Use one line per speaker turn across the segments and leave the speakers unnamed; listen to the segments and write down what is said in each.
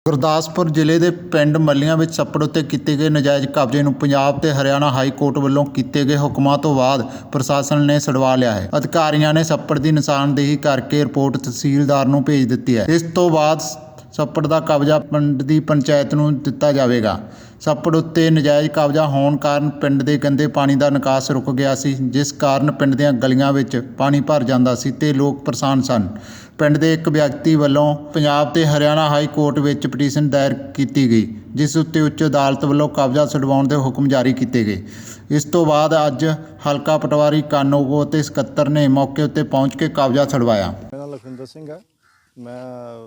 ਗੁਰਦਾਸਪੁਰ ਜ਼ਿਲ੍ਹੇ ਦੇ ਪਿੰਡ ਮੱਲੀਆਂ ਵਿੱਚ ਛੱਪੜ ਉੱਤੇ ਕੀਤੇ ਗਏ ਨਾਜਾਇਜ਼ ਕਬਜ਼ੇ ਨੂੰ ਪੰਜਾਬ ਤੇ ਹਰਿਆਣਾ ਹਾਈ ਕੋਰਟ ਵੱਲੋਂ ਕੀਤੇ ਗਏ ਹੁਕਮਾਂ ਤੋਂ ਬਾਅਦ ਪ੍ਰਸ਼ਾਸਨ ਨੇ ਛੁਡਵਾ ਲਿਆ ਹੈ। ਅਧਿਕਾਰੀਆਂ ਨੇ ਛੱਪੜ ਦੀ ਨਿਸ਼ਾਨਦੇਹੀ ਕਰਕੇ ਰਿਪੋਰਟ ਤਹਿਸੀਲਦਾਰ ਨੂੰ ਭੇਜ ਦਿੱਤੀ ਹੈ। ਇਸ ਤੋਂ ਬਾਅਦ ਛੱਪੜ ਦਾ ਕਬਜ਼ਾ ਪਿੰਡ ਦੀ ਪੰਚਾਇਤ ਨੂੰ ਦਿੱਤਾ ਜਾਵੇਗਾ। ਛੱਪੜ ਉੱਤੇ ਨਾਜਾਇਜ਼ ਕਬਜ਼ਾ ਹੋਣ ਕਾਰਨ ਪਿੰਡ ਦੇ ਗੰਦੇ ਪਾਣੀ ਦਾ ਨਿਕਾਸ ਰੁਕ ਗਿਆ ਸੀ, ਜਿਸ ਕਾਰਨ ਪਿੰਡ ਦੀਆਂ ਗਲੀਆਂ ਵਿੱਚ ਪਾਣੀ ਭਰ ਜਾਂਦਾ ਸੀ ਤੇ ਲੋਕ ਪਰੇਸ਼ਾਨ ਸਨ। ਪਿੰਡ ਦੇ ਇੱਕ ਵਿਅਕਤੀ ਵੱਲੋਂ ਪੰਜਾਬ ਤੇ ਹਰਿਆਣਾ ਹਾਈ ਕੋਰਟ ਵਿੱਚ ਪਟੀਸ਼ਨ ਦਾਇਰ ਕੀਤੀ ਗਈ, ਜਿਸ ਉੱਤੇ ਉੱਚ ਅਦਾਲਤ ਵੱਲੋਂ ਕਬਜ਼ਾ ਛੁਡਵਾਉਣ ਦੇ ਹੁਕਮ ਜਾਰੀ ਕੀਤੇ ਗਏ। ਇਸ ਤੋਂ ਬਾਅਦ ਅੱਜ ਹਲਕਾ ਪਟਵਾਰੀ ਕਾਨੂੰਗੋ ਅਤੇ ਸਕੱਤਰ ਨੇ ਮੌਕੇ ਉੱਤੇ ਪਹੁੰਚ ਕੇ ਕਬਜ਼ਾ ਛੁਡਵਾਇਆ।
ਮੇਰਾ ਨਾਮ ਲਖਵਿੰਦਰ ਸਿੰਘ ਹੈ। ਮੈਂ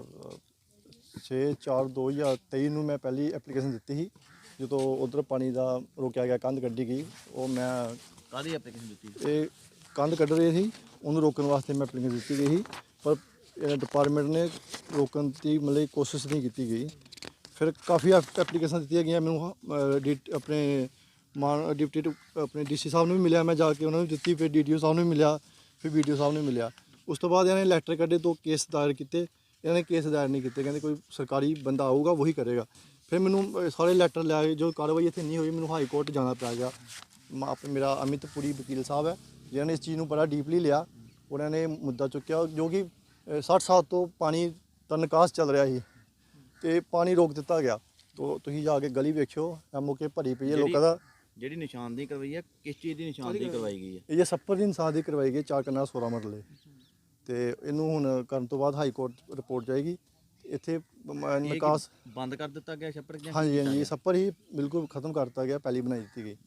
6/4/2023 ਨੂੰ ਮੈਂ ਪਹਿਲੀ ਐਪਲੀਕੇਸ਼ਨ ਦਿੱਤੀ ਸੀ, ਜਦੋਂ ਉਧਰ ਪਾਣੀ ਦਾ ਰੋਕਿਆ ਗਿਆ, ਕੰਧ ਕੱਢੀ ਗਈ। ਉਹ ਮੈਂ
ਕਾਹਦੀ ਐਪਲੀਕੇਸ਼ਨ ਦਿੱਤੀ?
ਇਹ ਕੰਧ ਕੱਢ ਰਹੇ ਸੀ, ਉਹਨੂੰ ਰੋਕਣ ਵਾਸਤੇ ਮੈਂ ਐਪਲੀਕੇਸ਼ਨ ਦਿੱਤੀ ਗਈ ਸੀ, ਪਰ ਡਿਪਾਰਟਮੈਂਟ ਨੇ ਰੋਕਣ ਦੀ ਮਤਲਬ ਕੋਸ਼ਿਸ਼ ਨਹੀਂ ਕੀਤੀ ਗਈ। ਫਿਰ ਕਾਫੀ ਐਪਲੀਕੇਸ਼ਨ ਦਿੱਤੀਆਂ ਗਈਆਂ। ਮੈਨੂੰ ਆਪਣੇ ਡਿਪਟੀ ਆਪਣੇ DC ਸਾਹਿਬ ਨੂੰ ਵੀ ਮਿਲਿਆ, ਮੈਂ ਜਾ ਕੇ ਉਹਨਾਂ ਨੂੰ ਦਿੱਤੀ। ਫਿਰ DDO ਸਾਹਿਬ ਨੂੰ ਵੀ ਮਿਲਿਆ, ਫਿਰ BDO ਸਾਹਿਬ ਨੂੰ ਵੀ ਮਿਲਿਆ। ਉਸ ਤੋਂ ਬਾਅਦ ਇਹਨਾਂ ਨੇ ਲੈਟਰ ਕੱਢੇ, 2 ਕੇਸ ਦਾਇਰ ਕੀਤੇ। ਇਹਨਾਂ ਨੇ ਕੇਸ ਦਾਇਰ ਨਹੀਂ ਕੀਤੇ, ਕਹਿੰਦੇ ਕੋਈ ਸਰਕਾਰੀ ਬੰਦਾ ਆਊਗਾ ਉਹੀ ਕਰੇਗਾ। ਫਿਰ ਮੈਨੂੰ ਸਾਰੇ ਲੈਟਰ ਲੈ ਆਏ, ਜੋ ਕਾਰਵਾਈ ਇੱਥੇ ਨਹੀਂ ਹੋਈ, ਮੈਨੂੰ ਹਾਈ ਕੋਰਟ ਜਾਣਾ ਪੈ ਗਿਆ। ਮੇਰਾ ਅਮਿਤਪੁਰੀ ਵਕੀਲ ਸਾਹਿਬ ਹੈ, ਜਿਨ੍ਹਾਂ ਨੇ ਇਸ ਚੀਜ਼ ਨੂੰ ਬੜਾ ਡੀਪਲੀ ਲਿਆ। ਉਹਨਾਂ ਨੇ ਮੁੱਦਾ ਚੁੱਕਿਆ, ਜੋ ਕਿ 60 ਸਾਲ ਤੋਂ ਪਾਣੀ ਦਾ ਨਿਕਾਸ ਚੱਲ ਰਿਹਾ ਸੀ ਤੇ ਪਾਣੀ ਰੋਕ ਦਿੱਤਾ ਗਿਆ। ਤੋ ਤੁਸੀਂ ਜਾ ਕੇ ਗਲੀ ਵੇਖਿਓ, ਮੌਕੇ ਭਰੀ ਪਈ ਹੈ ਲੋਕਾਂ ਦਾ।
ਜਿਹੜੀ ਨਿਸ਼ਾਨਦੇਹੀ ਕਰਵਾਈ ਹੈ, ਕਿਸ ਚੀਜ਼ ਦੀ ਨਿਸ਼ਾਨਦੇਹੀ ਕਰਵਾਈ ਗਈ ਹੈ?
ਇਹ ਛੱਪੜ ਦੀ ਨਿਸ਼ਾਨਦੇਹੀ ਕਰਵਾਈ ਗਈ 4 ਕਨਾਲ 16 ਮਰਲੇ, ਤੇ ਇਹਨੂੰ ਹੁਣ ਕਰਨ ਤੋਂ ਬਾਅਦ ਹਾਈ ਕੋਰਟ ਰਿਪੋਰਟ ਜਾਏਗੀ। ਇੱਥੇ ਨਿਕਾਸ
ਬੰਦ ਕਰ ਦਿੱਤਾ ਗਿਆ ਛੱਪੜ?
ਹਾਂਜੀ, ਇਹ ਛੱਪੜ ਹੀ ਬਿਲਕੁਲ ਖਤਮ ਕਰ ਦਿੱਤਾ ਗਿਆ, ਪਹਿਲੀ ਬਣਾਈ ਦਿੱਤੀ ਗਈ।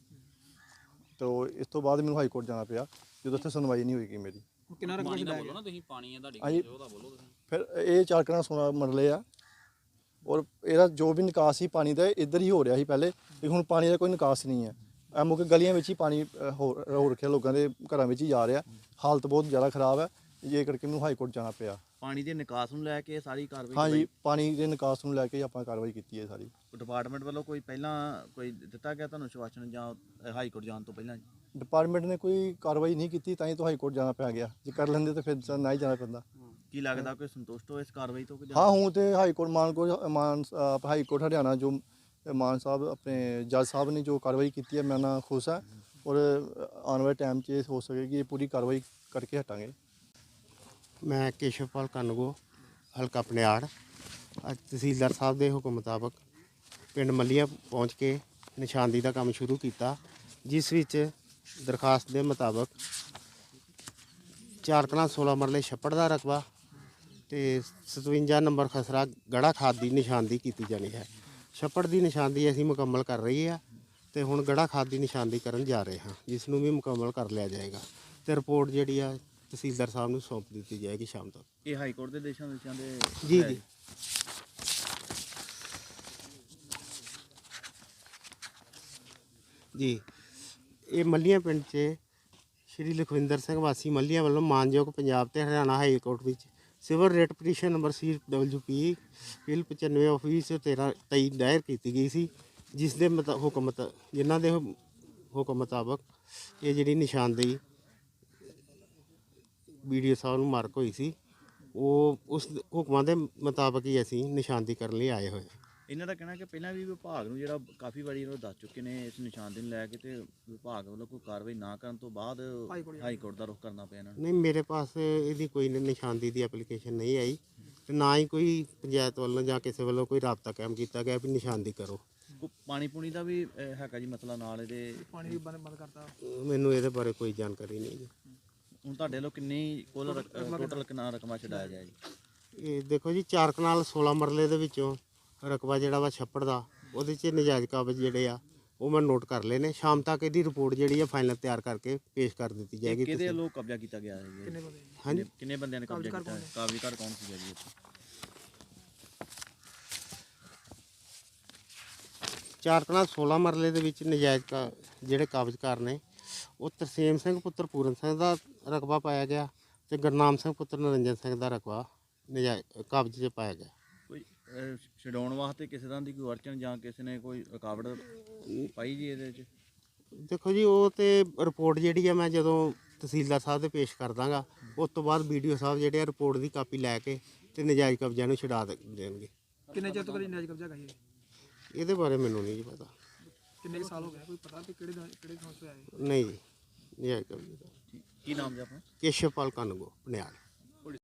ਤੋ ਇਸ ਤੋਂ ਬਾਅਦ ਮੈਨੂੰ ਹਾਈ ਕੋਰਟ ਜਾਣਾ ਪਿਆ, ਜਦੋਂ ਉੱਥੇ ਸੁਣਵਾਈ ਨਹੀਂ ਹੋਈਗੀ ਮੇਰੀ।
ਕਿੰਨਾ ਰਕਬਾ ਛਡਾਇਆ ਬੋਲੋ ਨਾ ਤੁਸੀਂ, ਪਾਣੀ ਹੈ ਤੁਹਾਡੀ ਉਹਦਾ ਬੋਲੋ ਤੁਸੀਂ।
ਫਿਰ ਇਹ 4 ਕਨਾਲ 16 ਮਰਲੇ ਆ, ਔਰ ਇਹਦਾ ਜੋ ਵੀ ਨਿਕਾਸ ਸੀ ਪਾਣੀ ਦਾ ਇੱਧਰ ਹੀ ਹੋ ਰਿਹਾ ਸੀ ਪਹਿਲੇ, ਤੇ ਹੁਣ ਪਾਣੀ ਦਾ ਕੋਈ ਨਿਕਾਸ ਨਹੀਂ ਹੈ। ਮੌਕੇ ਗਲੀਆਂ ਵਿੱਚ ਹੀ ਪਾਣੀ ਹੋ ਰੱਖਿਆ, ਲੋਕਾਂ ਦੇ ਘਰਾਂ ਵਿੱਚ ਹੀ ਜਾ ਰਿਹਾ। ਹਾਲਤ ਬਹੁਤ ਜ਼ਿਆਦਾ ਖਰਾਬ ਹੈ, ਇਹ ਕਰਕੇ ਮੈਨੂੰ ਹਾਈ ਕੋਰਟ ਜਾਣਾ ਪਿਆ।
ਪਾਣੀ ਦੇ ਨਿਕਾਸ ਨੂੰ ਲੈ ਕੇ ਸਾਰੀ ਕਾਰਵਾਈ?
ਹਾਂਜੀ, ਪਾਣੀ ਦੇ ਨਿਕਾਸ ਨੂੰ ਲੈ ਕੇ ਆਪਾਂ ਕਾਰਵਾਈ ਕੀਤੀ ਹੈ ਸਾਰੀ।
ਡਿਪਾਰਟਮੈਂਟ ਵੱਲੋਂ ਕੋਈ ਪਹਿਲਾਂ ਕੋਈ ਦਿੱਤਾ ਗਿਆ ਤੁਹਾਨੂੰ ਸ਼ਵਾਸਨ ਜਾਂ ਹਾਈ ਕੋਰਟ ਜਾਣ ਤੋਂ ਪਹਿਲਾਂ?
ਡਿਪਾਰਟਮੈਂਟ ਨੇ ਕੋਈ ਕਾਰਵਾਈ ਨਹੀਂ ਕੀਤੀ, ਤਾਂ ਹੀ ਤਾਂ ਹਾਈ ਕੋਰਟ ਜਾਣਾ ਪੈ ਗਿਆ। ਜੇ ਕਰ ਲੈਂਦੇ ਤਾਂ ਫਿਰ ਨਾ ਹੀ ਜਾਣਾ ਪੈਂਦਾ।
ਕੀ ਲੱਗਦਾ ਕੋਈ ਸੰਤੁਸ਼ਟ ਹੋ ਇਸ ਕਾਰਵਾਈ ਤੋਂ?
ਹਾਂ, ਹੁਣ ਤੇ high court high court Haryana ਜੋ ਮਾਨ ਸਾਹਿਬ ਆਪਣੇ ਜੱਜ ਸਾਹਿਬ ਨੇ ਜੋ ਕਾਰਵਾਈ ਕੀਤੀ ਹੈ, ਮੈਂ ਨਾਲ ਖੁਸ਼ ਹਾਂ। ਔਰ ਆਉਣ ਵਾਲੇ ਟਾਈਮ 'ਚ ਇਹ ਹੋ ਸਕੇਗੀ, ਇਹ ਪੂਰੀ ਕਾਰਵਾਈ ਕਰਕੇ ਹਟਾਂਗੇ।
ਮੈਂ ਕੇਸ਼ਵਪਾਲ ਕਾਨੂੰਗੋ, ਹਲਕਾ ਪਨਿਆੜ। ਅੱਜ ਤਹਿਸੀਲਦਾਰ ਸਾਹਿਬ ਦੇ ਹੁਕਮ ਮੁਤਾਬਕ ਪਿੰਡ ਮੱਲੀਆਂ ਪਹੁੰਚ ਕੇ ਨਿਸ਼ਾਨਦੇਹੀ ਦਾ ਕੰਮ ਸ਼ੁਰੂ ਕੀਤਾ, ਜਿਸ ਵਿੱਚ ਦਰਖਾਸਤ ਦੇ ਮੁਤਾਬਕ 4 ਕਨਾਲ 16 ਮਰਲੇ ਛੱਪੜ ਦਾ ਰਕਬਾ ਤੇ 57 ਨੰਬਰ ਖਸਰਾ ਗੜਾ ਖਾਦ ਦੀ ਨਿਸ਼ਾਨਦੇਹੀ ਕੀਤੀ ਜਾਣੀ ਹੈ। ਛੱਪੜ ਦੀ ਨਿਸ਼ਾਨਦੇਹੀ ਅਸੀਂ ਮੁਕੰਮਲ ਕਰ ਰਹੀ ਹੈ ਤੇ ਹੁਣ ਗੜਾ ਖਾਦ ਦੀ ਨਿਸ਼ਾਨਦੇਹੀ ਕਰਨ ਜਾ ਰਹੇ ਹਾਂ, ਜਿਸ ਨੂੰ ਵੀ ਮੁਕੰਮਲ ਕਰ ਲਿਆ ਜਾਏਗਾ ਤੇ ਰਿਪੋਰਟ ਜਿਹੜੀ ਆ ਤਹਿਸੀਲਦਾਰ ਸਾਹਿਬ ਨੂੰ ਸੌਂਪ ਦਿੱਤੀ ਜਾਏਗੀ ਸ਼ਾਮ ਤੱਕ।
ਇਹ ਹਾਈ ਕੋਰਟ ਦੇ ਦੇਸ਼ਾਂ ਦੇ
ਜੀ ਜੀ ਇਹ ਮੱਲੀਆਂ ਪਿੰਡ 'ਚ ਸ਼੍ਰੀ ਲਖਵਿੰਦਰ ਸਿੰਘ ਵਾਸੀ ਮੱਲੀਆਂ ਵੱਲੋਂ ਮਾਨਯੋਗ ਪੰਜਾਬ ਤੇ ਹਰਿਆਣਾ ਹਾਈ ਕੋਰਟ ਵਿੱਚ civil writ petition number CWP PIL 95 of 13/23 ਦਾਇਰ ਕੀਤੀ ਗਈ ਸੀ, ਜਿਸ ਦੇ ਜਿਨ੍ਹਾਂ ਦੇ ਹੁਕਮ ਮੁਤਾਬਕ ਇਹ ਜਿਹੜੀ ਨਿਸ਼ਾਨਦੇਹੀ BDO ਸਾਹਿਬ ਨੂੰ ਮਾਰਕ ਹੋਈ ਸੀ, ਉਹ ਉਸ ਹੁਕਮਾਂ ਦੇ ਮੁਤਾਬਕ ਹੀ ਅਸੀਂ ਨਿਸ਼ਾਨਦੇਹੀ ਕਰਨ ਲਈ ਆਏ ਹੋਏ ਹਾਂ।
ਇਹਨਾਂ ਦਾ ਕਹਿਣਾ ਕਿ ਪਹਿਲਾਂ ਵੀ ਵਿਭਾਗ ਨੂੰ ਜਿਹੜਾ ਕਾਫੀ ਵਾਰੀ ਇਹਨਾਂ ਨੂੰ ਦੱਸ ਚੁੱਕੇ ਨੇ ਇਸ ਨਿਸ਼ਾਨਦੇਹੀ ਨੂੰ ਲੈ ਕੇ, ਤੇ ਵਿਭਾਗ ਵੱਲੋਂ ਕੋਈ ਕਾਰਵਾਈ ਨਾ ਕਰਨ ਤੋਂ ਬਾਅਦ ਹਾਈ ਕੋਰਟ ਦਾ ਰੁਖ ਕਰਨਾ ਪਿਆ ਇਹਨਾਂ ਨੂੰ।
ਨਹੀਂ, ਮੇਰੇ ਪਾਸ ਇਹਦੀ ਕੋਈ ਨਿਸ਼ਾਨਦੇਹੀ ਦੀ ਐਪਲੀਕੇਸ਼ਨ ਨਹੀਂ ਆਈ ਤੇ ਨਾ ਹੀ ਕੋਈ ਪੰਚਾਇਤ ਵੱਲੋਂ ਜਾਂ ਕਿਸੇ ਵੱਲੋਂ ਕੋਈ ਰਾਬਤਾ ਕਾਇਮ ਕੀਤਾ ਗਿਆ ਵੀ ਨਿਸ਼ਾਨਦੇਹੀ ਕਰੋ।
ਪਾਣੀ ਪੂਣੀ ਦਾ ਵੀ ਹੈਗਾ ਜੀ ਮਸਲਾ ਨਾਲ? ਇਹਦੇ
ਪਾਣੀ ਵੀ ਬੰਦ ਕਰਤਾ?
ਮੈਨੂੰ ਇਹਦੇ ਬਾਰੇ ਕੋਈ ਜਾਣਕਾਰੀ ਨਹੀਂ ਜੀ।
ਹੁਣ ਤੁਹਾਡੇ ਵੱਲੋਂ ਕਿੰਨੀ ਕੁੱਲ ਟੋਟਲ ਕਿੰਨਾ ਰਕਬਾ ਛਡਾਇਆ ਜਾਏ ਜੀ?
ਇਹ ਦੇਖੋ ਜੀ, 4 ਕਨਾਲ 16 ਮਰਲੇ ਦੇ ਵਿੱਚੋਂ ਰਕਬਾ ਜਿਹੜਾ ਵਾ ਛੱਪੜ ਦਾ, ਉਹਦੇ 'ਚ ਨਜਾਇਜ਼ ਕਬਜ਼ ਜਿਹੜੇ ਆ ਉਹ ਮੈਂ ਨੋਟ ਕਰ ਲਏ ਨੇ। ਸ਼ਾਮ ਤੱਕ ਇਹਦੀ ਰਿਪੋਰਟ ਜਿਹੜੀ ਆ ਫਾਈਨਲ ਤਿਆਰ ਕਰਕੇ ਪੇਸ਼ ਕਰ ਦਿੱਤੀ ਜਾਏਗੀ।
ਕਿਹਦੇ ਵੱਲੋਂ ਕਬਜ਼ਾ ਕੀਤਾ ਗਿਆ ਹੈ ਜੀ?
ਹਾਂਜੀ,
ਕਿੰਨੇ ਬੰਦਿਆਂ ਨੇ ਕਬਜ਼ਾ ਕੀਤਾ ਹੈ? ਕਾਬਜ਼ੀਕਾਰ ਕੌਣ ਸੀਗਾ ਜੀ ਇੱਥੇ?
4 ਕਨਾਲ 16 ਮਰਲੇ ਦੇ ਵਿੱਚ ਨਜਾਇਜ਼ ਜਿਹੜੇ ਕਬਜ਼ਕਾਰ ਨੇ ਉਹ ਤਰਸੇਮ ਸਿੰਘ ਪੁੱਤਰ ਪੂਰਨ ਸਿੰਘ ਦਾ ਰਕਬਾ ਪਾਇਆ ਗਿਆ ਤੇ ਗੁਰਨਾਮ ਸਿੰਘ ਪੁੱਤਰ ਨਰਿੰਜਨ ਸਿੰਘ ਦਾ ਰਕਬਾ ਨਜਾਇਜ਼ ਕਬਜ਼ੇ 'ਚ ਪਾਇਆ ਗਿਆ।
ਕੋਈ ਛਡਾਉਣ ਵਾਸਤੇ ਕਿਸੇ ਤਰ੍ਹਾਂ ਦੀ ਕੋਈ ਅੜਚਨ ਜਾਂ ਕਿਸੇ ਨੇ ਕੋਈ ਰੁਕਾਵਟ ਪਾਈ ਜੀ ਇਹਦੇ 'ਚ?
ਦੇਖੋ ਜੀ, ਉਹ ਤੇ ਰਿਪੋਰਟ ਜਿਹੜੀ ਆ ਮੈਂ ਜਦੋਂ ਤਹਿਸੀਲਦਾਰ ਸਾਹਿਬ ਦੇ ਪੇਸ਼ ਕਰ ਦਾਂਗਾ, ਉਸ ਤੋਂ ਬਾਅਦ BDO ਸਾਹਿਬ ਜਿਹੜੇ ਆ ਰਿਪੋਰਟ ਦੀ ਕਾਪੀ ਲੈ ਕੇ ਤੇ ਨਜਾਇਜ਼ ਕਬਜ਼ਿਆਂ ਨੂੰ ਛਡਾ ਦੇਣਗੇ।
ਕਿੰਨੇ ਚਿਰ ਤੋਂ ਕਰੀ ਨਜਾਇਜ਼ ਕਬਜ਼ਾ ਹੈਗਾ ਇਹ?
ਇਹਦੇ ਬਾਰੇ ਮੈਨੂੰ ਨਹੀਂ ਜੀ ਪਤਾ।
ਕਿੰਨੇ ਕੁ ਸਾਲ ਹੋ ਗਏ ਕੋਈ ਪਤਾ ਵੀ ਕਿਹੜੇ ਥਾਂ ਤੋਂ ਆਏ?
ਨਹੀਂ ਜੀ, ਨਹੀਂ ਹੈ ਕਬਜ਼ੇ ਦਾ।
ਕੀ ਨਾਮ ਜੀ ਆਪਣਾ?
ਕੇਸ਼ਵਪਾਲ ਕਨਗੋ, ਪਨਿਆਲ।